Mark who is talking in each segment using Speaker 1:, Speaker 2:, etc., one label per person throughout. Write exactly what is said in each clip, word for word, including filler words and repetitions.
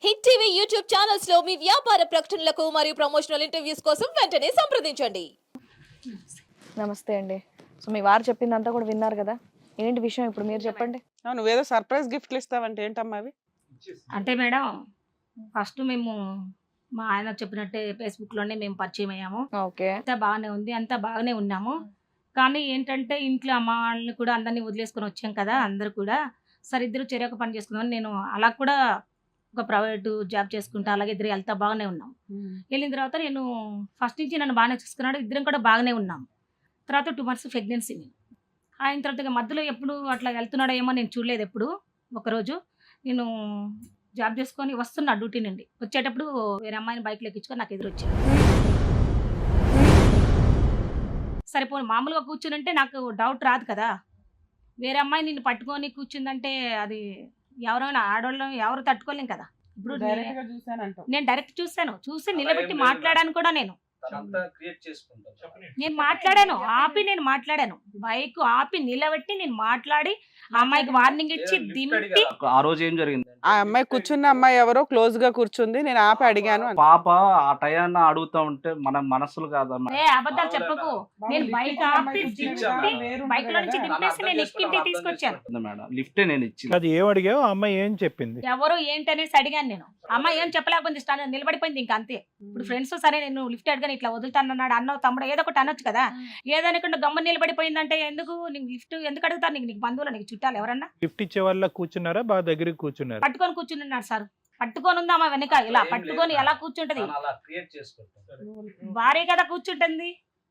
Speaker 1: Hit TV YouTube channels లో మీ వ్యాపార ప్రకటనలకు మరియు ప్రమోషనల్ ఇంటర్వ్యూస్ కోసం వెంటనే సంప్రదించండి.
Speaker 2: నమస్తే అండి. సో మీ వారు చెప్పిందంతా కూడా విన్నారు కదా, ఏంటి విషయం ఇప్పుడు మీరు చెప్పండి.
Speaker 3: నువ్వేదో సర్ప్రైజ్ గిఫ్ట్లు ఇస్తావంటే ఏంటమ్మా అవి?
Speaker 4: అంటే మేడం ఫస్ట్ మేము మా ఆయన చెప్పినట్టే ఫేస్బుక్లోనే మేము పరిచయం అయ్యాము.
Speaker 2: ఓకే,
Speaker 4: అంతా బాగానే ఉంది, అంతా బాగానే ఉన్నాము. కానీ ఏంటంటే ఇంట్లో అమ్మ వాళ్ళని కూడా అందరినీ వదిలేసుకొని వచ్చాం కదా, అందరూ కూడా సరే ఇద్దరు చెరొక పని చేసుకుందాం. నేను అలా కూడా ఒక ప్రైవేటు జాబ్ చేసుకుంటా, అలాగే ఇద్దరు వెళ్తా బాగానే ఉన్నాం. వెళ్ళిన తర్వాత నేను ఫస్ట్ నుంచి నన్ను బాగానే చూసుకున్నాడు, ఇద్దరం కూడా బాగానే ఉన్నాం. తర్వాత టూ మంత్స్ ప్రెగ్నెన్సీ నేను ఆయన తర్వాత ఇక మధ్యలో ఎప్పుడు అట్లా వెళ్తున్నాడో ఏమో నేను చూడలేదు. ఎప్పుడు ఒకరోజు నేను జాబ్ చేసుకొని వస్తున్నా డ్యూటీ నుండి వచ్చేటప్పుడు వేరే అమ్మాయిని బైక్లో ఎక్కించుకొని నాకు ఎదురు వచ్చాడు. సరిపోయి మామూలుగా కూర్చునంటే నాకు డౌట్ రాదు కదా, వేరే అమ్మాయి నిన్ను పట్టుకొని కూర్చుందంటే అది ఎవరైనా ఆడవాళ్ళం ఎవరు తట్టుకోలేం కదా. ఇప్పుడు
Speaker 3: డైరెక్ట్ గా చూసానంటావు.
Speaker 4: నేను డైరెక్ట్ చూసాను, చూసి నిలబెట్టి మాట్లాడాను కూడా. నేను నేను మాట్లాడాను, ఆపి నేను మాట్లాడాను, బైక్ ఆపి నిలబెట్టి నేను మాట్లాడి ఆ అమ్మాయికి వార్నింగ్ ఇచ్చి దింపి.
Speaker 5: ఆ రోజు ఏం జరిగింది?
Speaker 3: ఆ అమ్మాయి కూర్చున్న అమ్మాయి ఎవరో క్లోజ్ గా కూర్చుంది, నేను ఆపి అడిగాను అని.
Speaker 5: పాప ఆ టయాన్ని అడుగుతా ఉంటే మన మనసులు కాదమ్మా.
Speaker 4: ఏ అబద్ధాలు చెప్పకు, నేను బైక్ ఆపి దింపి బైక్ లో నుంచి దింపేసి నేను ఎక్కింటి తీసుకొచ్చాను
Speaker 5: మేడం లిఫ్టే నేను ఇచ్చింది.
Speaker 6: అది ఏం అడిగావు, ఆ అమ్మాయి ఏం చెప్పింది?
Speaker 4: ఎవరు ఏంటనేసి అడిగాను నేను. అమ్మాయి ఏం చెప్పలేకపోయింది, స్టాండ్ నిలబడిపోయింది ఇంకా అంతే. ఇప్పుడు ఫ్రెండ్స్ సరే నేను లిఫ్ట్ అడిగాను, ఇట్లా వదులుతానన్నాడు అన్నో తమ్ముడు ఏదో ఒకటి అనొచ్చు కదా, ఏదనుకుంటే గమ్మ నిలబడిపోయిందంటే ఎందుకు నీకు లిఫ్ట్ ఎందుకు అడుగుతారు? నీకు నీకు బంధువులు నీకు చుట్టాలు ఎవరన్నా?
Speaker 6: గిఫ్ట్ ఇచ్చే వాళ్ళ కూర్చున్నారా, బాగా దగ్గరికి కూర్చున్నారా?
Speaker 4: పట్టుకొని కూర్చున్నాడు సార్, పట్టుకొని ఉందా మా వెనక ఇలా పట్టుకొని ఎలా కూర్చుంటది? భార్య కదా కూర్చుంటుంది,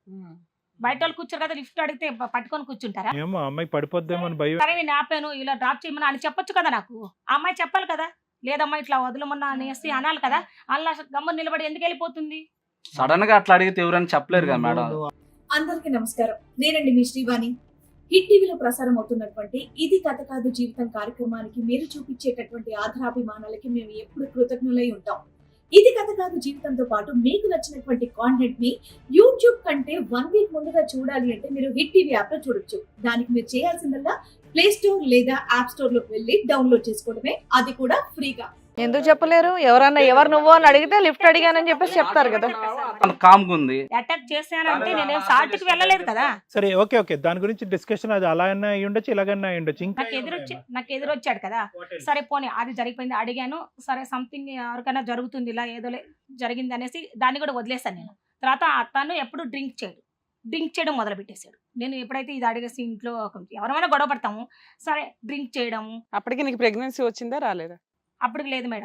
Speaker 4: బయట వాళ్ళు కూర్చోరు కదా, లిఫ్ట్ అడిగితే పట్టుకొని కూర్చుంటారా?
Speaker 6: ఏమో అమ్మాయి పడిపోద్దేమో అని భయం.
Speaker 4: సరే నేను ఆపాను, ఇలా డ్రాప్ చేయమని అని చెప్పొచ్చు కదా, నాకు ఆ అమ్మాయి చెప్పాలి కదా, లేదమ్మా ఇట్లా వదలమన్నా అనేసి అనాలి కదా. అలా గమ్మ నిలబడి ఎందుకు వెళ్ళిపోతుంది?
Speaker 5: సడన్ గా అట్లా అడిగితే ఎవరని చెప్పలేరు కదా మేడం.
Speaker 7: అందరికీ నమస్కారం, నేనండి మీ శ్రీవాణి. హిట్ టీవీలో ప్రసారం అవుతున్నటువంటి ఇది కథ కాదు జీవితం కార్యక్రమానికి మీరు చూపించేటటువంటి ఆధారాభిమానాలకి మేము ఎప్పుడు కృతజ్ఞులై ఉంటాం. ఇది కథ కాదు జీవితంతో పాటు మీకు నచ్చినటువంటి కాంటెంట్ ని యూట్యూబ్ కంటే వన్ వీక్ ముందుగా చూడాలి అంటే మీరు హిట్ టీవీ యాప్ లో చూడొచ్చు. దానికి మీరు చేయాల్సిందల్లా ప్లే స్టోర్ లేదా యాప్ స్టోర్ లోకి వెళ్ళి డౌన్లోడ్ చేసుకోవడమే, అది కూడా ఫ్రీగా.
Speaker 2: ఎందుకు చెప్పలేరు? ఎవరన్నా ఎవరు నువ్వు అని అడిగితే లిఫ్ట్ అడిగానని చెప్పేసి చెప్తారు కదా.
Speaker 5: కామ్గా ఉంది.
Speaker 4: అటాక్ చేశానంటే నేను సాటికి వెళ్ళలేదు కదా.
Speaker 6: సరే ఓకే ఓకే, దాని గురించి డిస్కషన్ అది అలా అన్నా అయి ఉండొచ్చు, ఇలాగన్నా అయి ఉండొచ్చు. ఇంకా
Speaker 4: నాకు ఎదురొచ్చి నాకు ఎదురొచ్చాడు కదా, సరే పోనీ అది జరిగిపోయింది అడిగాను, సరే సంథింగ్ ఎవరికైనా జరుగుతుంది ఇలా ఏదో జరిగింది అనేసి దాన్ని కూడా వదిలేసాను నేను. తర్వాత అతను ఎప్పుడు డ్రింక్ చేయడు, డ్రింక్ చేయడం మొదలు పెట్టేశాడు. నేను ఎప్పుడైతే ఇది అడిగేసి ఇంట్లో ఎవరైనా గొడవ పడతాము, సరే డ్రింక్ చేయడము.
Speaker 3: అప్పటికి నీకు ప్రెగ్నెన్సీ వచ్చిందా రాలేదా?
Speaker 4: అప్పుడు లేదు మేడం,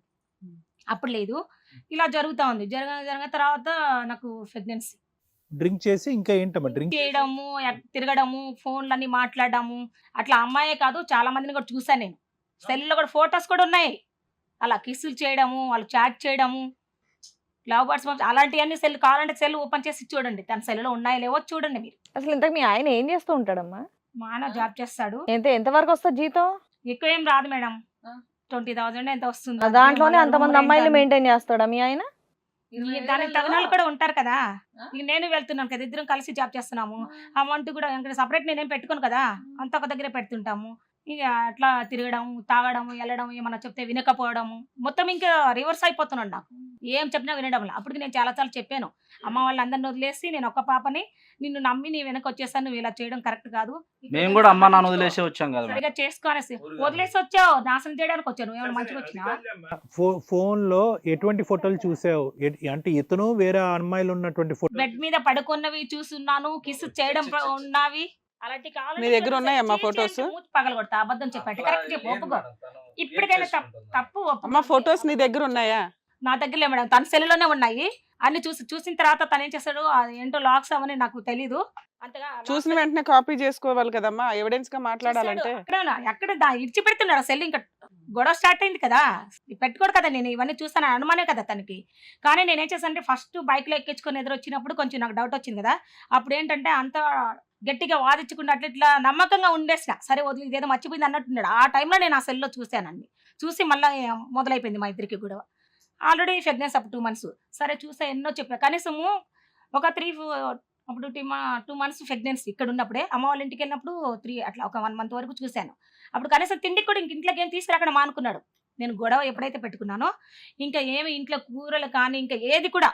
Speaker 4: అప్పుడు లేదు. ఇలా జరుగుతా ఉంది, జరగ జరగ తర్వాత నాకు ప్రెగ్నెన్సీ.
Speaker 6: డ్రింక్ చేసి ఇంకా ఏంటమ్మా డ్రింక్
Speaker 4: చేయడము, తిరగడము, ఫోన్లన్నీ మాట్లాడడము, అట్లా అమ్మాయే కాదు చాలా మందిని కూడా చూసాను నేను. సెల్లో కూడా ఫొటోస్ కూడా ఉన్నాయి, అలా కిస్సులు చేయడము, వాళ్ళు చాట్ చేయడము, లవ్ బర్డ్స్ అలాంటివన్నీ సెల్ కావాలంటే సెల్ ఓపెన్ చేసి చూడండి, తన సెల్లో ఉన్నాయో లేవో చూడండి మీరు.
Speaker 2: అసలు ఇంతకు మీ ఆయన ఏం చేస్తూ ఉంటాడమ్మా?
Speaker 4: మా ఆయన జాబ్ చేస్తాడు.
Speaker 2: ఎంత ఎంత వరకు వస్తుంది జీతం?
Speaker 4: ఎక్కువ ఏం రాదు మేడం, ట్వంటీ థౌసండ్ ఎంత వస్తుంది.
Speaker 2: దాంట్లోనే అంతమంది అమ్మాయిలు మెయింటైన్ చేస్తాడా మీ ఆయన?
Speaker 4: దానికి తగిన వాళ్ళు కూడా ఉంటారు కదా. ఇక నేను వెళ్తున్నాను కదా, ఇద్దరం కలిసి జాబ్ చేస్తున్నాము. అమౌంట్ కూడా ఇంకా సపరేట్ నేనేం పెట్టుకోను కదా, అంత ఒక దగ్గరే పెడుతుంటాము. ఇక అట్లా తిరగడం, తాగడం, వెళ్ళడం, ఏమన్నా చెప్తే వినకపోవడము, మొత్తం ఇంకా రివర్స్ అయిపోతున్నాడు. నాకు ఏం చెప్పినా వినడం. అప్పటికి నేను చాలా సార్లు చెప్పాను, అమ్మ వాళ్ళందరిని వదిలేసి నేను ఒక్క పాపని నిన్ను నమ్మి నీ వెనక వచ్చేసాను, నువ్వు ఇలా చేయడం కరెక్ట్ కాదు.
Speaker 5: మేము కూడా అమ్మ నాన్న వదిలేసి వచ్చాం కదా,
Speaker 4: సరిగా చేసుకోనేసి వదిలేసి వచ్చావు, నాశనం చేయడానికి వచ్చాను. ఏమైనా మంచిగా వచ్చినా?
Speaker 6: ఫోన్ లో ఎటువంటి ఫోటోలు చూసావు? అంటే ఇతను వేరే అమ్మాయిలు ఉన్నటువంటి ఫోటో
Speaker 4: బెడ్ మీద పడుకున్నవి చూస్తున్నాను, కిస్ చేయడం ఉన్నవి అలాంటి.
Speaker 3: నీ దగ్గర ఉన్నాయమ్మా ఫొటోస్?
Speaker 4: పగల కొడతా, అబద్ధం చెప్పండి, కరెక్ట్ చెప్పు, ఒప్పుకో. ఇప్పటికైనా తప్పు
Speaker 3: అమ్మా ఫొటోస్ నీ దగ్గర ఉన్నాయా?
Speaker 4: నా దగ్గర లేవు మేడం, తన సెల్లులోనే ఉన్నాయి. అన్ని చూసి చూసిన తర్వాత తను ఏం చేస్తాడు, ఏంటో లాక్స్ అవని నాకు తెలీదు అంతగా.
Speaker 3: చూసిన వెంటనే కాపీ చేసుకోవాలి కదమ్మా, ఎవిడెన్స్ గా మాట్లాడాలంటే.
Speaker 4: ఎక్కడ ఇడిచి పెడుతున్నాడు సెల్, ఇంకా గొడవ స్టార్ట్ అయింది కదా, పెట్టుకోడు కదా. నేను ఇవన్నీ చూసాను అనుమానే కదా తనకి. కానీ నేనేం చేశానంటే ఫస్ట్ బైక్ లో ఎక్కించుకొని ఎదురు వచ్చినప్పుడు కొంచెం నాకు డౌట్ వచ్చింది కదా, అప్పుడు ఏంటంటే అంత గట్టిగా వాదించుకుంటే అట్లా ఇట్లా నమ్మకంగా ఉండేసిన, సరే వదిలి ఇదేదో మర్చిపోయింది అన్నట్టున్నాడు. ఆ టైంలో నేను ఆ సెల్లో చూశానండి, చూసి మళ్ళీ మొదలైపోయింది మా ఇద్దరికి కూడా. ఆల్రెడీ ప్రెగ్నెన్స్ అప్పుడు టూ మంత్స్ సరే చూసా, ఎన్నో చెప్పా, కనీసము ఒక త్రీ అప్పుడు టూ టూ మంత్స్ ప్రెగ్నెన్సీ ఇక్కడ ఉన్నప్పుడే. అమ్మ వాళ్ళ ఇంటికి వెళ్ళినప్పుడు త్రీ అట్లా ఒక వన్ మంత్ వరకు చూశాను. అప్పుడు కనీసం తిండికి కూడా ఇంక ఇంట్లోకి ఏం తీసుకురాకుండా మానుకున్నాడు. నేను గొడవ ఎప్పుడైతే పెట్టుకున్నానో ఇంకా ఏమి ఇంట్లో కూరలు కానీ ఇంకా ఏది కూడా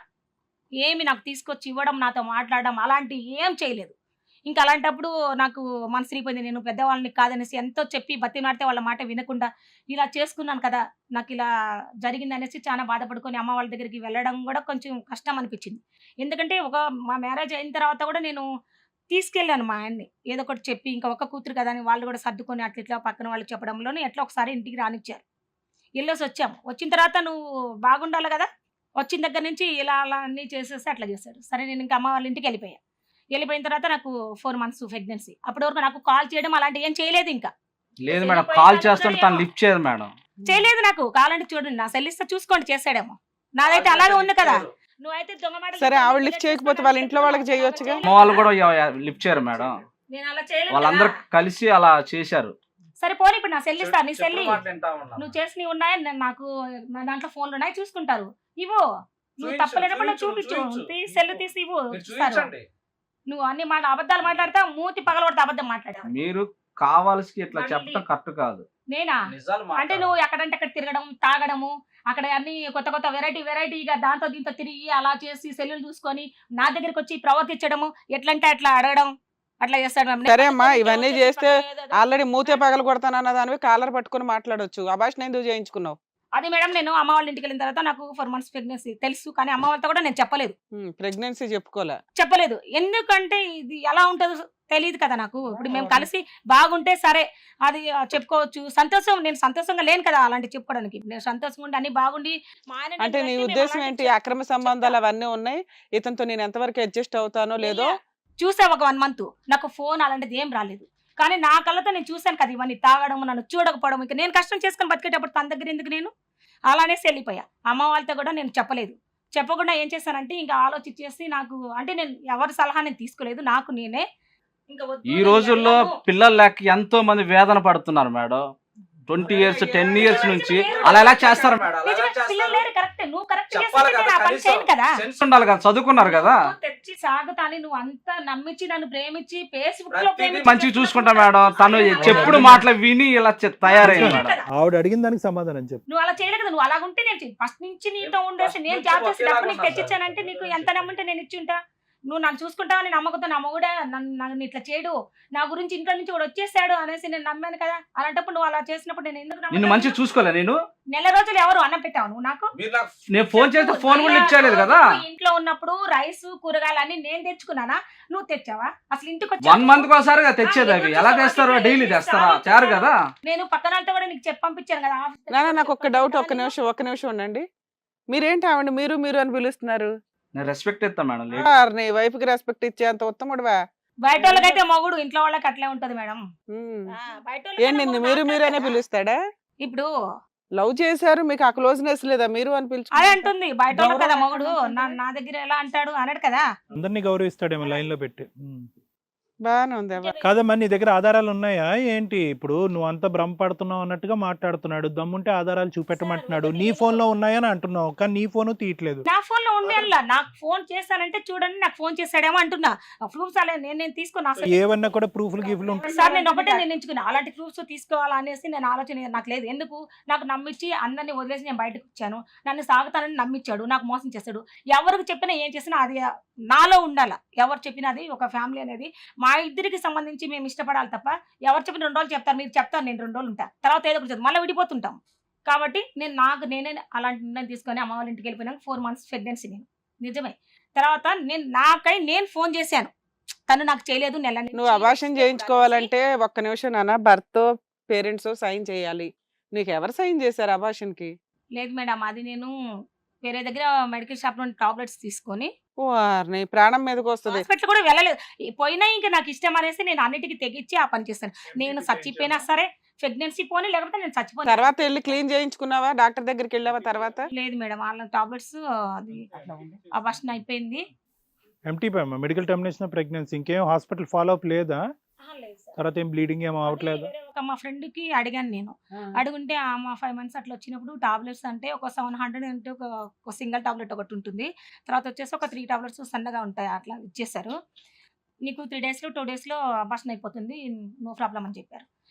Speaker 4: ఏమి నాకు తీసుకొచ్చి ఇవ్వడం, నాతో మాట్లాడడం అలాంటి ఏం చేయలేదు. ఇంకా అలాంటప్పుడు నాకు మనసు విరిగిపోయింది. నేను పెద్దవాళ్ళని కాదనేసి ఎంతో చెప్పి బతిమాడితే వాళ్ళ మాట వినకుండా ఇలా చేసుకున్నాను కదా, నాకు ఇలా జరిగింది అనేసి చాలా బాధపడుకొని అమ్మ వాళ్ళ దగ్గరికి వెళ్ళడం కూడా కొంచెం కష్టం అనిపించింది. ఎందుకంటే ఒక మా మ్యారేజ్ అయిన తర్వాత కూడా నేను తీసుకెళ్ళాను మా ఆయన్ని ఏదో ఒకటి చెప్పి, ఇంకా ఒక్క కూతురు కదా అని వాళ్ళు కూడా సర్దుకొని అట్లా ఇట్లా పక్కన వాళ్ళు చెప్పడంలోనే ఎట్లా ఒకసారి ఇంటికి రానిచ్చారు. వెళ్ళేసి వచ్చాము. వచ్చిన తర్వాత నువ్వు బాగుండాలి కదా, వచ్చిన దగ్గర నుంచి ఇలా అలా అన్నీ చేసేసి అట్లా చేశాడు. సరే నేను ఇంకా అమ్మ వాళ్ళ ఇంటికి వెళ్ళిపోయా. వెళ్ళిపోయిన తర్వాత నాకు ఫోర్ మంత్స్ ప్రెగ్నెన్సీ. అప్పటి వరకు నాకు కాల్ చేయడం అలాంటి ఏం చేయలేదు. ఇంకా
Speaker 5: లేదు మేడం, కాల్ చేస్తుంటే తను లిఫ్ట్ చేయదు మేడం.
Speaker 4: చేయలేదు. నాకు కావాలంటే చూడండి, నా సెల్ ఇస్తే చూసుకోండి, చేసాడేమో. నాదైతే అలాగే ఉంది కదా. నువ్వైతే దొంగ మాటలు
Speaker 3: సరే
Speaker 4: చెప్పి
Speaker 3: ఆవిడ
Speaker 4: ఇలా
Speaker 3: లిఫ్ట్ చేయకపోతే
Speaker 4: చేస్తున్నావు
Speaker 3: వాళ్ళ ఇంట్లో వాళ్ళకి
Speaker 4: అంటే
Speaker 3: చేయొచ్చుగా.
Speaker 5: అమ్మ వాళ్ళు కూడా లిఫ్ట్ చేయరు మేడం.
Speaker 4: నేను అలా చేయలేదు
Speaker 5: వాళ్ళందరూ
Speaker 4: కదా.
Speaker 5: కలిసి అలా చేశారు.
Speaker 4: సరే పోనీ ఇప్పుడు నా సెల్ ఇస్తా, నీ సెల్
Speaker 5: చెప్పిన మాట వింటా ఉన్నాను.
Speaker 4: నువ్వు చేసినవి ఉన్నాయి, నేను నాకు నా దాంట్లో ఫోన్లు ఉన్నాయి, చూసుకుంటారు. ఇవ్వు. నువ్వు
Speaker 5: చూపించు,
Speaker 4: తప్పలేనప్పుడు
Speaker 5: చూపించు,
Speaker 4: చూపించు,
Speaker 5: చూపించు.
Speaker 4: తీ సెల్ తీసి ఇవ్వు.
Speaker 5: మీరు
Speaker 4: ఇస్తారు.
Speaker 5: చూపించండి.
Speaker 4: నువ్వు అన్ని మాట అబద్ధాలు మాట్లాడతావు, మూతి పగలబడితే అబద్ధం మాట్లాడావు.
Speaker 5: మీరు కావాల్సి ఇట్లా
Speaker 4: మళ్ళీ-
Speaker 5: చెప్పడం కరెక్ట్ కాదు.
Speaker 4: నేనా
Speaker 5: నిజాలు
Speaker 4: అంటే నువ్వు ఎక్కడంటే అక్కడ తిరగడం, తాగడము, అక్కడ అన్ని కొత్త కొత్త వెరైటీ వెరైటీగా దాంతో దీంతో తిరిగి అలా చేసి సెల్లులు చూసుకొని నా దగ్గరికి వచ్చి ప్రవర్తించడము, ఎట్లంటే అట్లా అడగడం, అట్లా చేస్తాడు మ్యామ్.
Speaker 3: సరే అమ్మా, ఇవన్నీ చేస్తే ఆల్రెడీ మూతే పగలు కొడతానన్న దానివి కాలర్ పట్టుకుని మాట్లాడొచ్చు. అభాషణ ఎందుకు చేయించుకున్నావు?
Speaker 4: అది మేడం నేను అమ్మ వాళ్ళ ఇంటికి వెళ్ళిన తర్వాత నాకు ఫోర్ మంత్స్ ప్రెగ్నెన్సీ తెలుసు, కానీ అమ్మ వాళ్ళతో కూడా నేను చెప్పలేదు
Speaker 3: ప్రెగ్నెన్సీ చెప్పుకోలే.
Speaker 4: చెప్పలేదు ఎందుకంటే ఇది ఎలా ఉంటుందో తెలియదు కదా నాకు. ఇప్పుడు మేము కలిసి బాగుంటే సరే అది ఆ, చెప్పుకోవచ్చు. సంతోషం, నేను సంతోషంగా లేను కదా అలాంటి చెప్పుకోవడానికి. నేను సంతోషంగా ఉండి అన్ని బాగుండి మా ఆయన
Speaker 3: అంటే నీ
Speaker 4: నేను
Speaker 3: ఉద్దేశం
Speaker 4: అలాంటి
Speaker 3: ఏంటి?
Speaker 4: చెప్-
Speaker 3: అక్రమ సంబంధాలు అవన్నీ ఉన్నాయి, ఇతనితో నేను ఎంతవరకు అడ్జస్ట్ అవుతానో లేదో.
Speaker 4: చూసా ఒక వన్ మంత్ నాకు ఫోన్ అలాంటిది ఏం రాలేదు, కానీ నా కళ్ళతో నేను చూశాను కదా ఇవన్నీ తాగడం, నన్ను చూడకపోవడం. ఇంకా నేను కష్టం చేసుకొని బతికేటప్పుడు తన దగ్గర ఎందుకు నేను అలానేసి వెళ్ళిపోయా. అమ్మ వాళ్ళతో కూడా నేను చెప్పలేదు. చెప్పకుండా ఏం చేశానంటే ఇంకా ఆలోచించేసి నాకు అంటే నేను ఎవరి సలహా నేను తీసుకోలేదు, నాకు నేనే ఇంకా వద్దు
Speaker 5: ఈ
Speaker 4: నేను
Speaker 5: రోజుల్లో
Speaker 4: వెళ్ళను.
Speaker 5: పిల్లలు లేక ఎంతో మంది వేదన పడుతున్నారు madam. Twenty years ten years నుంచి అలా ఎలా చేస్తారు మేడం? అలా ఎలా
Speaker 4: నిజమే,
Speaker 5: చేస్తారు?
Speaker 4: పిల్లలు లేరు, కరెక్ట్. నువ్వు కరెక్ట్
Speaker 5: చెప్పాలి
Speaker 4: చేస్తే
Speaker 5: కదా,
Speaker 4: నేను ఆ పని
Speaker 5: కనీసం
Speaker 4: చేయను కదా.
Speaker 5: సెన్స్ ఉండాలి కదా, చదువుకున్నారు కదా.
Speaker 4: నువ్వు తెచ్చి సాగుతాని నువ్వు అంతా నమ్మించి నన్ను ప్రేమించి ఫేస్బుక్ లో
Speaker 5: ప్రతిదీ
Speaker 4: ప్రేమించి
Speaker 5: మంచిగా చూసుకుంటా మేడం. తను చెప్పుడు మాటలు విని ఇలా చె- తయారైంది
Speaker 4: చేయలేదు
Speaker 5: మేడం.
Speaker 4: కదా.
Speaker 6: ఆవిడ అడిగిన దానికి సమాధానం చెప్పు.
Speaker 4: నువ్వు అలా చేయలేదు కదా. నువ్వు అలా ఉంటే నేను ఫస్ట్ నుంచి నీతో ఉండేసి నేను జాబ్ చేసి డబ్బు నీకు తెచ్చిచ్చానంటే నీకు ఎంత నమ్ముంటే నేను ఇచ్చి ఉంటా. నువ్వు నన్ను చూసుకుంటావని నమ్మకంతో నా మొగుడా నన్ను నన్ను ఇట్లా చేయడు, నా గురించి ఇంట్లో నుంచి కూడా వచ్చేసాడు అనేసి నేను నమ్మాను కదా. అలాంటప్పుడు నువ్వు అలా చేసినప్పుడు నేను ఎందుకు
Speaker 5: నిన్ను
Speaker 4: నమ్ముతాను?
Speaker 5: మంచిగా చూసుకోలే నేను.
Speaker 4: నెల రోజులు ఎవరు అన్నం పెట్టావు నువ్వు నాకు?
Speaker 5: నేను ఫోన్ చేస్తే ఫోన్ కూడా ఇచ్చేయలేదు కదా.
Speaker 4: నువ్వు ఇంట్లో ఉన్నప్పుడు రైస్ కూరగాయలు అన్ని నేను తెచ్చుకున్నానా, నువ్వు తెచ్చావా? అసలు ఇంటికి
Speaker 5: వన్
Speaker 4: వచ్చావా?
Speaker 5: మంత్ కోసారిగా తెచ్చేది అవి. ఎలా తెస్తారు? డైలీ తెస్తారా? చారు కదా.
Speaker 4: నేను పక్కన వాళ్ళతో కూడా నీకు చెప్పి పంపించాను కదా ఆఫీస్ దగ్గర.
Speaker 3: నాన్న నాకు ఒక్క డౌట్, ఒక్క నిమిషం ఒక్క నిమిషం ఉండండి. మీరేంటి ఆవిడ మీరు మీరు అని పిలుస్తున్నారు?
Speaker 5: నేను రెస్పెక్ట్ ఇస్తాను మేడం. లేదు.
Speaker 3: ఆర్ నీ వైఫ్ కి రెస్పెక్ట్ ఇచ్చే అంత ఉత్తముడువా?
Speaker 4: బయట వాళ్ళకైతే మొగుడు, ఇంట్లో వాళ్ళకి అట్లే ఉంటది మేడం.
Speaker 3: ఉమ్.
Speaker 4: ఆ, బయట వాళ్ళకైతే
Speaker 3: ఏంటి నిన్ను
Speaker 4: మొగుడు
Speaker 3: మీరు మీరు అనే
Speaker 4: మాట్లాడతాడా?
Speaker 3: పిలుస్తాడా?
Speaker 4: ఇప్పుడు
Speaker 3: లవ్ చేశారు, మీకు ఆ క్లోజ్నెస్ లేదా? మీరు అని
Speaker 4: అదే
Speaker 3: పిలుచు.
Speaker 4: అంటుంది బయట వాళ్ళు కదా మొగుడు నా నా దగ్గర ఎలా అంటాడు అన్నాడు కదా.
Speaker 6: అందరినీ గౌరవిస్తాడేమో లైన్ లో పెట్టి. ఉమ్.
Speaker 3: బాగానే ఉంది అవ్వ.
Speaker 6: కాదమ్మా, నీ దగ్గర ఆధారాలు ఉన్నాయా ఏంటి? ఇప్పుడు నువ్వు అంతా భ్రమపడుతున్నావు అన్నట్టుగా మాట్లాడుతున్నాడు. దమ్ముంటే ఆధారాలు చూపెట్టమంటున్నాడు. నీ ఫోన్ లో ఉన్నాయని అంటున్నావు, కానీ నీ ఫోన్ తీయట్లేదు.
Speaker 4: నా ఫోన్ లో ఉండే నాకు ఫోన్ చేశానంటే చూడండి నాకు ఫోన్ చేశాడేమో అంటున్నా. ప్రూఫ్స్ అలా నేను నేను తీసుకున్నా అసలు.
Speaker 6: ఏవన్నా కూడా ప్రూఫ్లు గిఫ్లు ఉంటాయి.
Speaker 4: సార్ నేను ఒకటే నిర్ణయించుకున్నా, అలాంటి ప్రూఫ్స్ తీసుకోవాలా అనేసి నేను ఆలోచన నాకు లేదు. ఎందుకు నాకు నమ్మించి అందరినీ వదిలేసి నేను బయటకు వచ్చాను, నన్ను సాగుతానని నమ్మించాడు, నాకు మోసం చేశాడు. ఎవరికి చెప్పినా ఏం చేసినా అది నాలో ఉండాల. ఎవరు చెప్పినా అది ఒక ఫ్యామిలీ అనేది మా ఇద్దరికి సంబంధించి మేము ఇష్టపడాలి తప్ప ఎవరు చెప్పిన రెండు రోజులు చెప్తారు, మీరు చెప్తారు, నేను రెండు రోజులు ఉంటా, తర్వాత ఏదో ఒకటి మళ్ళీ విడిపోతుంటాం. కాబట్టి నేను నాకు నేనే అలాంటి నిర్ణయం తీసుకొని అమ్మ వాళ్ళ ఇంటికి వెళ్ళిపోయినాక ఫోర్ మంత్స్ ప్రెగ్నెన్సీ నేను నిజమే. తర్వాత నేను నాకై నేను ఫోన్ చేశాను, తను నాకు చేయలేదు. నెల నుంచి
Speaker 3: నువ్వు అభాషణ చేయించుకోవాలంటే ఒక్క నిమిషం నాన్న, భర్త పేరెంట్స్ సైన్ చేయాలి. నీకు ఎవరు సైన్ చేశారు అభాషణకి?
Speaker 4: లేదు మేడం, అది నేను వేరే దగ్గర మెడికల్ షాప్ నుండి టాబ్లెట్స్ తీసుకొని
Speaker 3: ఓ నీ ప్రాణం మీదకి వస్తుంది.
Speaker 4: హాస్పిటల్ కూడా వెళ్ళలేదు. ఈ పోయినా ఇంకా నాకు ఇష్టం అనేసి నేను అన్నిటికీ తెగించి ఆ పని చేస్తాను. నేను చచ్చిపోయినా సరే ప్రెగ్నెన్సీ పోనీ, లేకపోతే నేను చచ్చిపోయినా.
Speaker 3: తర్వాత వెళ్ళి క్లీన్ చేయించుకున్నావా? డాక్టర్ దగ్గరికి వెళ్ళావా తర్వాత?
Speaker 4: లేదు మేడం, వాళ్ళ టాబ్లెట్స్ అది అబార్షన్ అయిపోయింది.
Speaker 6: ఎంటీ అమ్మా, మెడికల్ టర్మినేషన్ ప్రెగ్నెన్సీ. ఇంకేం హాస్పిటల్ ఫాలో అప్ లేదా? తర్వాత ఏం బ్లీడింగ్ ఏమో అవట్లేదు?
Speaker 4: వేరే ఒక మా ఫ్రెండ్ కి అడిగాను నేను, అడుగుంటే ఆ మా ఫైవ్ మంత్స్ అట్లా వచ్చినప్పుడు టాబ్లెట్స్ అంటే ఒక సెవెన్ హండ్రెడ్ అంటే ఒక ఒక సింగిల్ టాబ్లెట్ ఒకటి ఉంటుంది, తర్వాత వచ్చేసి ఒక త్రీ టాబ్లెట్స్ సన్నగా ఉంటాయి అట్లా ఇచ్చేసారు. నీకు త్రీ డేస్లో టూ డేస్లో అబార్షన్ అయిపోతుంది, నో ప్రాబ్లం అని చెప్పారు.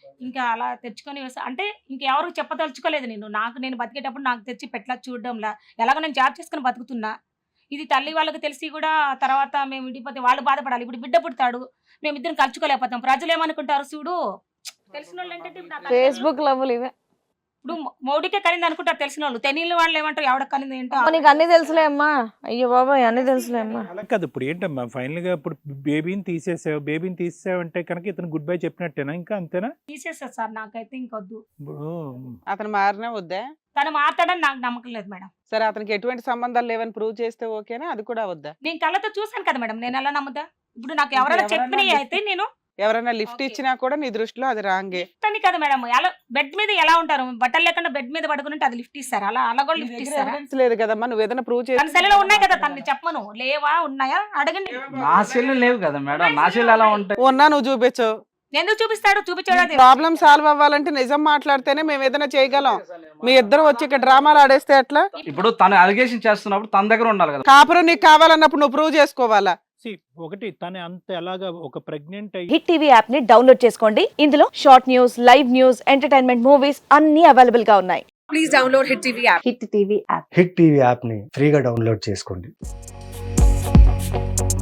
Speaker 4: ఇంకా అలా తెచ్చుకొని వేసా అంటే ఇంకెవరికి చెప్పదలుచుకోలేదు నేను నాకు నేను బతికేటప్పుడు నాకు తెచ్చి పెట్లా చూడడంలా ఎలాగో నేను జాబ్ చేసుకుని బతుకుతున్నా ఇది తల్లి వాళ్ళకి తెలిసి కూడా తర్వాత మేము విడిపోతే వాళ్ళు బాధపడాలి ఇప్పుడు బిడ్డ పుడతాడు మేమిద్దరం కలుచుకోలేకపోతాం ప్రజలు ఏమనుకుంటారు చూడు తెలిసిన వాళ్ళు ఏంటంటే ఇప్పుడు నా తల్లిదండ్రులు-
Speaker 2: ఫేస్బుక్ లవ్వులు ఇవే.
Speaker 4: ఇప్పుడు మౌడికే కనింది అనుకుంటారు తెలిసిన వాళ్ళు తెలియని వాళ్ళు ఏమంటారు ఎవడ కనింది ఏంటో
Speaker 2: అమ్మ, నీకు అన్ని తెలుసులే అమ్మా. అయ్యో బాబాయ్ అన్ని తెలుసులే అమ్మా.
Speaker 6: అలా కాదు ఇప్పుడు ఏంటమ్మా ఫైనల్ గా ఇప్పుడు బేబీని తీసేసావు బేబీని తీసేసావు అంటే కనుక ఇతను గుడ్ బై చెప్పినట్టేనా ఇంకా అంతేనా?
Speaker 4: తీసేస్తారు సార్ నాకైతే ఇంకొద్దు
Speaker 6: ఇప్పుడు
Speaker 3: అతను మారినా వద్దా?
Speaker 4: తను మాట్లాడని నాకు నమ్మకం లేదు మేడం
Speaker 3: సరే అతనికి ఎటువంటి సంబంధాలు లేవని ప్రూవ్ చేస్తే ఓకేనా? అది కూడా వద్దా?
Speaker 4: నేను కళ్ళతో చూసాను కదా మేడం నేను ఎలా నమ్ముతా ఇప్పుడు నాకు ఎవరైనా
Speaker 3: ఎవరన్నా
Speaker 4: చెప్పినవి అయితే నేను
Speaker 3: ఎవరైనా లిఫ్ట్
Speaker 4: Okay.
Speaker 3: ఇచ్చినా కూడా నీ దృష్టిలో అది రాంగే.
Speaker 4: అని కదా మేడం ఎలా బెడ్ మీద ఎలా ఉంటారు బట్టలు లేకుండా బెడ్ మీద పడుకుంటే అది లిఫ్ట్ ఇస్తారా అలా అలా కూడా లిఫ్ట్ ఇస్తారా
Speaker 3: ఎవిడెన్స్ లేదు కదమ్మా, నువ్వు ఏదైనా ప్రూవ్
Speaker 4: తన
Speaker 3: చేసి
Speaker 4: సెల్లో ఉన్నాయి కదా తనని చెప్పను లేవా ఉన్నాయా అడగండి
Speaker 5: నా సెల్లు లేవు కదా మేడం, నా సెల్లు ఎలా ఉంటాయి?
Speaker 3: ఉన్నా నువ్వు చూపించు.
Speaker 4: ఎందుకు చూపిస్తాడు చూపించాడు అది
Speaker 3: ప్రాబ్లం సాల్వ్ అవ్వాలంటే నిజం మాట్లాడితేనే మేము ఏదైనా చేయగలం. మీ ఇద్దరు వచ్చి ఇక్కడ డ్రామాలు ఆడేస్తే ఎట్లా?
Speaker 5: ఇప్పుడు తను అలిగేషన్ చేస్తున్నప్పుడు తన దగ్గర ఉండాలి కదా.
Speaker 3: కాపురం నీకు కావాలన్నప్పుడు నువ్వు ప్రూవ్ చేసుకోవాలా?
Speaker 6: see, ఒకటి తను అంత ఎలాగా ఒక ప్రెగ్నెంట్ అయ్యి
Speaker 8: హిట్ టీవీ యాప్ ని డౌన్లోడ్ చేసుకోండి. ఇందులో short news, live news, entertainment movies అన్ని అవైలబుల్ గా ఉన్నాయి.
Speaker 2: Please download hit TV app.
Speaker 8: Hit TV app.
Speaker 9: Hit TV యాప్ని ఫ్రీగా డౌన్లోడ్ చేసుకోండి.